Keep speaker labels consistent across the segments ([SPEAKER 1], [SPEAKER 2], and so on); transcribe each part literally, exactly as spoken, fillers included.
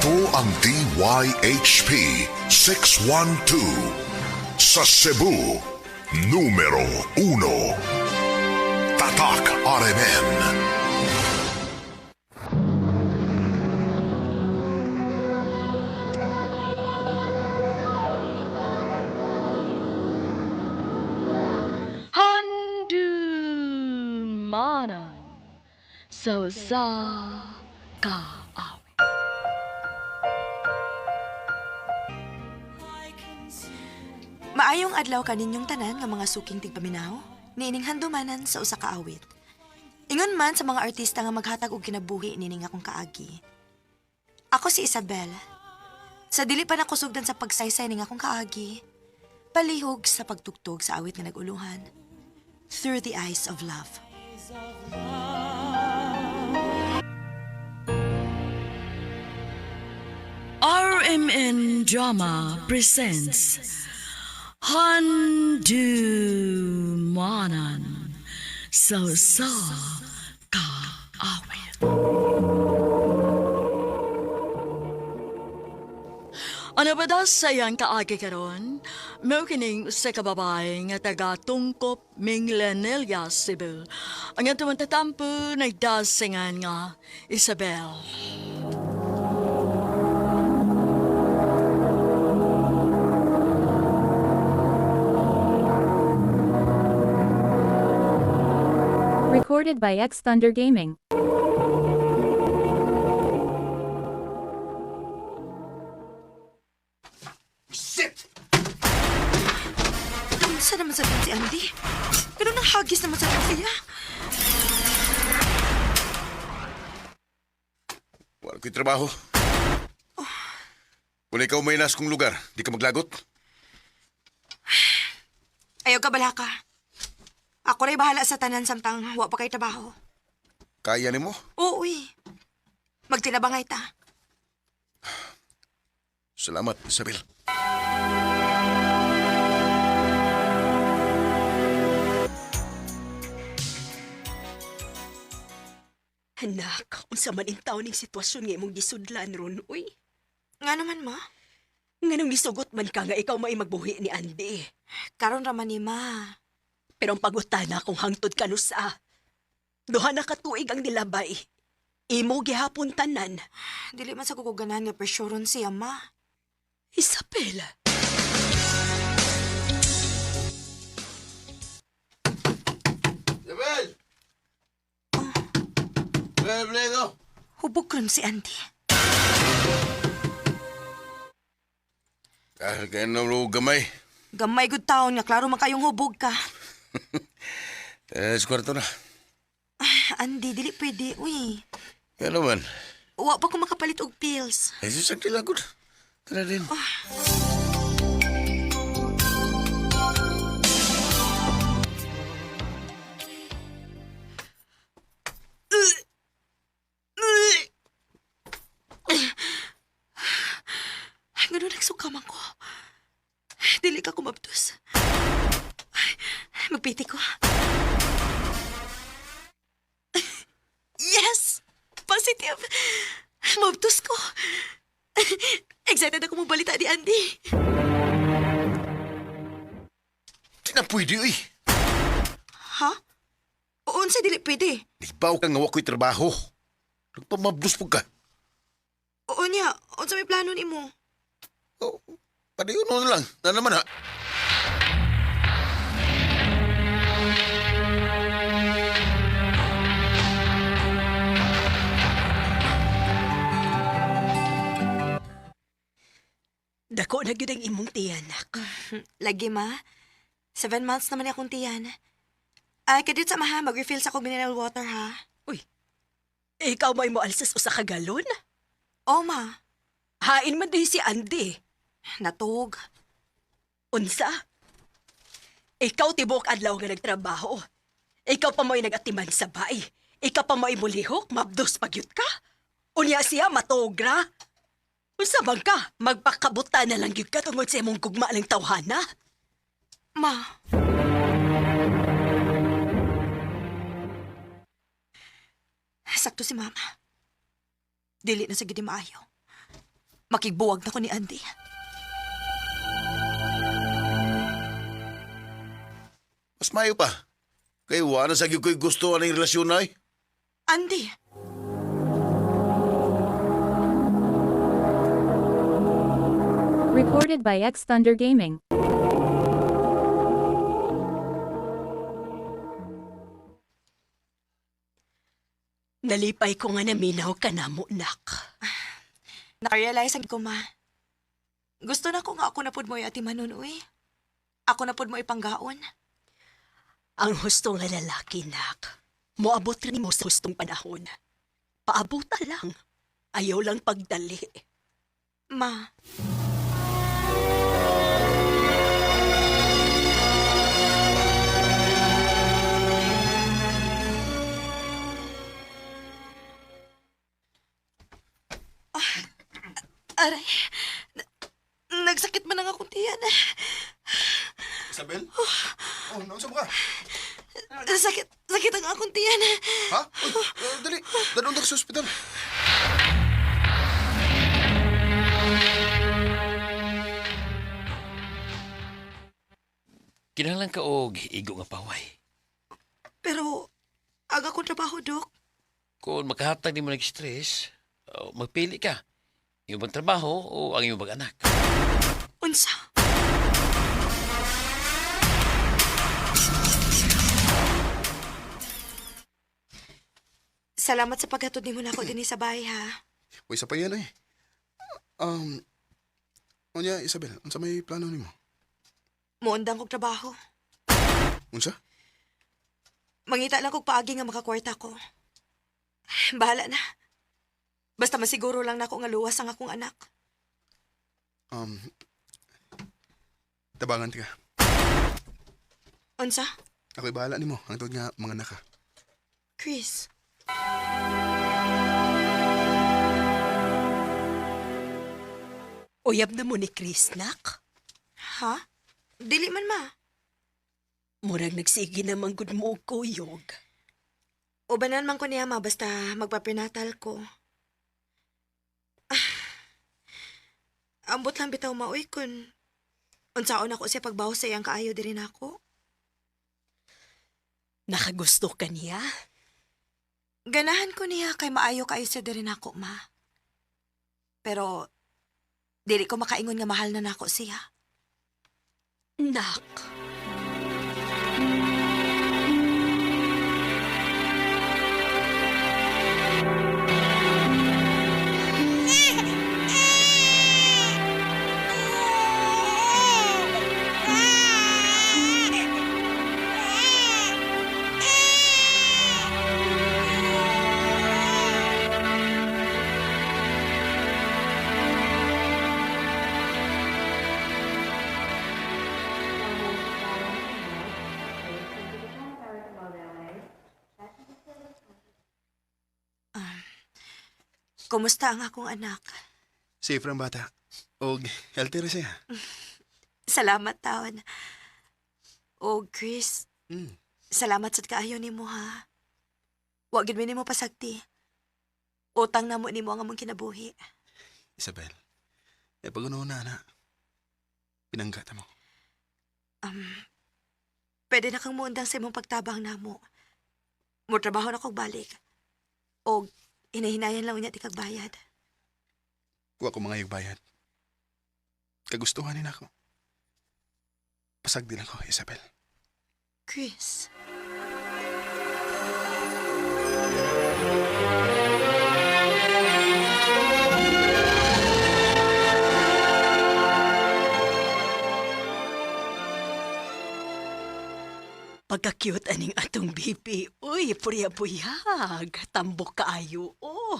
[SPEAKER 1] Ito ang D Y H P six one two sa Cebu, numero uno. Tatak R M N.
[SPEAKER 2] Handumanan so sa kaawit.
[SPEAKER 3] Maayong adlaw kaninyong tanan nga mga suking tigpaminaw, niining handumanan sa usa ka awit. Ingon man sa mga artista nga maghatag og kinabuhi nining akong kaagi. Ako si Isabel. Sa dili pa nakusugdan sa pagsaysay ning akong kaagi, palihog sa pagtugtog sa awit nga naguluhan, Through the Eyes of Love.
[SPEAKER 2] R M N Drama presents Handumanan so sa kaawit. Ano ba daw sa iyang kaagi karon? Mao kining sa kababay nga taga Tungkop, Minglanilla, Cebu. Ang atong tatampo nagdasingan nga Isabel.
[SPEAKER 4] Recorded by X Thunder Gaming.
[SPEAKER 3] Saan naman sa si Andy? Ganun ang hagis naman sa siya.
[SPEAKER 5] Wala ko'y trabaho. Wala ikaw may nas kong lugar. Di ka maglagot.
[SPEAKER 3] Ayaw ka bala ka. Ako rin bahala sa tanan samtang wa pa kay trabaho.
[SPEAKER 5] Kaya ni mo?
[SPEAKER 3] Oo, uy. Magtinabangay ta.
[SPEAKER 5] Salamat, Isabel.
[SPEAKER 6] Anak, unsa man in taon ning sitwasyon nga imong gisudlan ron, uy.
[SPEAKER 3] Nga naman, ma.
[SPEAKER 6] Nga nung gisugot man ka nga ikaw may magbuhi ni Andy.
[SPEAKER 3] Karon raman ni ma.
[SPEAKER 6] Pero ang pagutana kung hangtod ka no sa. Duha na katuig ang nilabay. Imo gihapon tanan.
[SPEAKER 3] Dili man sa kukuganan nga presyoron siya, ma.
[SPEAKER 6] Isabel.
[SPEAKER 5] Isabel! Isabel, Blego!
[SPEAKER 3] Hubog ron si Andy.
[SPEAKER 5] Kahit kayo na lo gamay.
[SPEAKER 3] Gamay good taon nga, klaro man kayong hubog ka.
[SPEAKER 5] Eh, sa kwarto na.
[SPEAKER 3] Andy, dili pwede, uy.
[SPEAKER 5] Kaya naman.
[SPEAKER 3] Wa pa ko makapalit og pills.
[SPEAKER 5] Eh, sasakti lang ko. Tara din.
[SPEAKER 3] Ganun nagsukaman ko. Dili ka kumabdos. Magpiti ko. Yes! Positive! Mabdos ko. Excited ako mabalita ni Andy.
[SPEAKER 5] Di na pwede, uy.
[SPEAKER 3] Ha? Oon sa dili pwede.
[SPEAKER 5] Di ba ka nga wako'y trabaho? Nagpamabdos po ka.
[SPEAKER 3] Oo niya. Oon sa may plano ni mo.
[SPEAKER 5] Oh, padayon mo na lang. Na naman, ha?
[SPEAKER 6] Dako na gyud ang imong tiyanak.
[SPEAKER 3] Lagi ma. Seven months naman akong tiyan. Ay, kadit sa maha, mag-refill sa akong mineral water ha.
[SPEAKER 6] Uy. Ikaw may mo alsas usa ka galon?
[SPEAKER 3] Oo ma.
[SPEAKER 6] Hain man din si Andy.
[SPEAKER 3] Natug.
[SPEAKER 6] Unsa? Ikaw tibok adlaw nga nagtrabaho. Ikaw pa mo'y nagatiman sa bay. Ikaw pa mo'y mulihok, mabdos pagyut ka. Unya siya matogra. Unsa bang ka? Magpakabuta na lang gyud ka tungod sa imong gugma ng tawhana.
[SPEAKER 3] Ma. Sakto si mama. Dili na sa gidi maayo. Makigbuwag na ko ni Andy.
[SPEAKER 5] Mas mayo pa. Kay wala sa gyud ko'y gusto aning relasyon na eh.
[SPEAKER 3] Andy!
[SPEAKER 4] Recorded by X Thunder Gaming.
[SPEAKER 6] Nalipay ko nga naminaw ka na mo, nak.
[SPEAKER 3] Nakarealize ang ko, ma. Gusto na ko nga ako na pud mo ati manon, uy. Ako na pud mo ipanggaon.
[SPEAKER 6] Ang husto nga lalaki, nak. Moabot rin mo sa hustong panahon. Paabuta lang. Ayaw lang pagdali.
[SPEAKER 3] Ma, aray. Na- nagsakit man ang akong tiyan.
[SPEAKER 5] Isabel? Oh, naunsa mo ka?
[SPEAKER 3] Sakit, sakit ang akong tiyan.
[SPEAKER 5] Ha? Uy, uh, dali. Dadong ka sa ospital.
[SPEAKER 7] Kinahanglan ka og igo nga paway.
[SPEAKER 3] Pero, aga kong trabaho, Dok.
[SPEAKER 7] Kung makahatag ni mo nag-stress, uh, magpili ka. Iyong bang trabaho o ang iyong bang anak?
[SPEAKER 3] Unsa? Salamat sa paghatod ni mo na ako din sa bahay, ha?
[SPEAKER 8] Uy, sa pa yan eh. Um, Unya, Isabel, unsa may plano nimo?
[SPEAKER 3] Muundang kong trabaho.
[SPEAKER 8] Unsa?
[SPEAKER 3] Mangita lang kong paagi nga makakwarta ko. Bahala na. Basta masiguro lang na ako nga luwas ang akong anak.
[SPEAKER 8] Um, tabangan ti ka.
[SPEAKER 3] Unsa?
[SPEAKER 8] Ako'y bahala nimo, ang tawag nga mga naka.
[SPEAKER 3] Chris.
[SPEAKER 6] Uyab na mo ni Chris, nak.
[SPEAKER 3] Ha? Dili man, ma.
[SPEAKER 6] Murag nagsige naman gud mo og kuyog.
[SPEAKER 3] Ubanan man ko niya, ma, basta magpaprenatal ko. Ah, ambot lang bitaw maoy kun unsaon ako siya pagbaw sa iyang kaayo diri nako.
[SPEAKER 6] Nakagusto ka niya?
[SPEAKER 3] Ganahan ko niya kay maayo kaayo siya diri nako, ma. Pero dili ko makaingon nga mahal na nako siya.
[SPEAKER 6] Nak.
[SPEAKER 3] Kumusta ang akong anak?
[SPEAKER 8] Safe ang bata. Og healthy rin siya.
[SPEAKER 3] Salamat taon. O Chris,
[SPEAKER 8] Hmm.
[SPEAKER 3] salamat sa kaayo nimo, ha. Wa gid mi nimo pasagti. Utang na mo nimo ang among kinabuhi.
[SPEAKER 8] Isabel, eh pag na na, pinanggata mo.
[SPEAKER 3] Um, pwede na kang muundang sa imong pagtabang namo. Mo trabaho na kog balik. O hinahinayan lang unya ti kag bayad.
[SPEAKER 8] Kuha ko mga bayad. Kagustuhan nila ako. Pasag din ako, Isabel.
[SPEAKER 3] Chris.
[SPEAKER 6] Pagka-cute aning atong baby. Uy, puya-puyag. Tambok kaayo. Oh.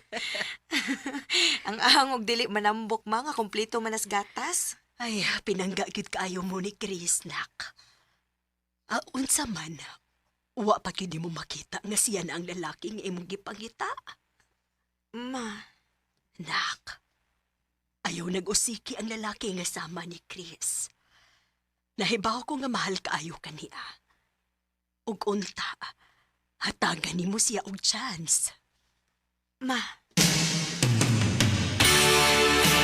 [SPEAKER 3] Ang ahang og dili manambok mga kompleto manas gatas.
[SPEAKER 6] Ay, pinangga gyud kaayo mo ni Chris, nak. Ah, unsa man. Wa pa gyud mo makita nga siya na ang lalaki nga imong gipangita.
[SPEAKER 3] Ma,
[SPEAKER 6] Nak. Ayaw nag-usiki ang lalaki nga sama ni Chris. Nahibaw ko nga mahal kaayo kaniya. Ug unta, hatagan nimo siya og chance.
[SPEAKER 3] ma.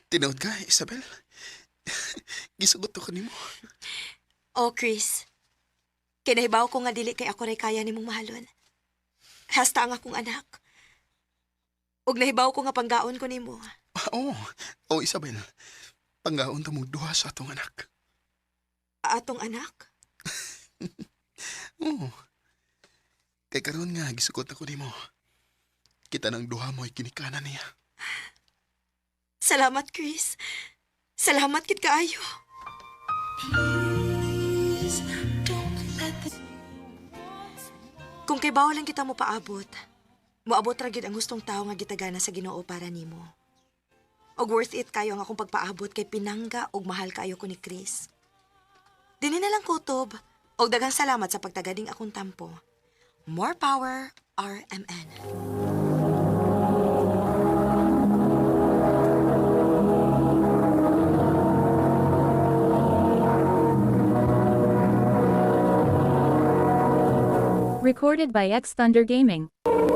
[SPEAKER 8] Tinood ka, Isabel? Gisugot ko nimo.
[SPEAKER 3] Oh, Chris. Kinahibaw ko nga dili kay ako ray kaya nimong mahalon. Hasta ang akong anak. Ug nahibaw ko nga panggaon ko nimo.
[SPEAKER 8] Ah, Oo, oh, Isabel. Panggaon ta mong duha sa atong anak.
[SPEAKER 3] Atong anak?
[SPEAKER 8] Oo. Kay karon nga, gisugot ako nimo. Kita ng duha mo ay kinikanan niya.
[SPEAKER 3] Salamat, Chris. Salamat kit kaayo. Kung kay bawal lang kita mo paabot, moabot ra gyud ang gustong tao nga gitagana sa Ginoo para nimo. Og worth it kayo ang akong pagpaabot kay pinangga og mahal kayo ko ni Chris. Dini na lang kutob og daghang salamat sa pagtagading akong tampo. More power, R M N.
[SPEAKER 4] Recorded by X Thunder Gaming.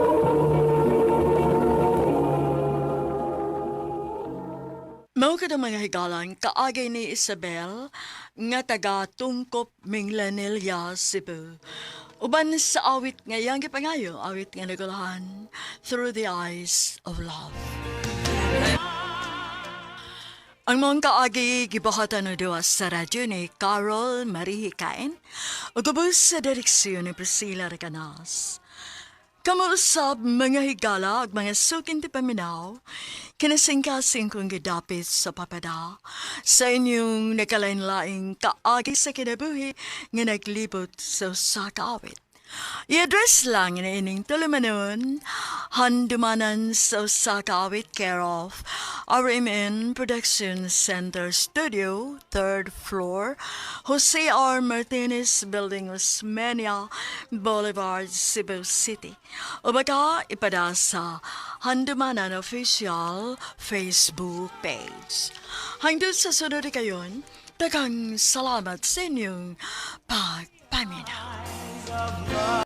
[SPEAKER 2] Mao kada mga higalan kaagay ni Isabel nga taga Tungkop Minglanilla, Cebu. Uban sa awit nga yang gipangayo, awit nga nagulahan, Through the Eyes of Love. Ang mga kaagi gibahatan na duwa sa radyo ni Carol Marie Hikain o gabos sa direksyon ni Priscilla Recanas. Kamuusap mga higala at mga sukin ti paminaw, kinasingkasing kong gidapit sa papada sa inyong nakalain-laing kaagi sa kinabuhi nga naglibot sa sakawit. I-address lang na ining tulumanon, handumanan sa sakawit care of R M N Production Center Studio, third floor, Jose R. Martinez Building, Osmeña Boulevard, Cebu City. O baka ipada sa Handumanan Official Facebook page. Hanggang sa sunod kayon, daghang salamat sa inyong pagpaminaw.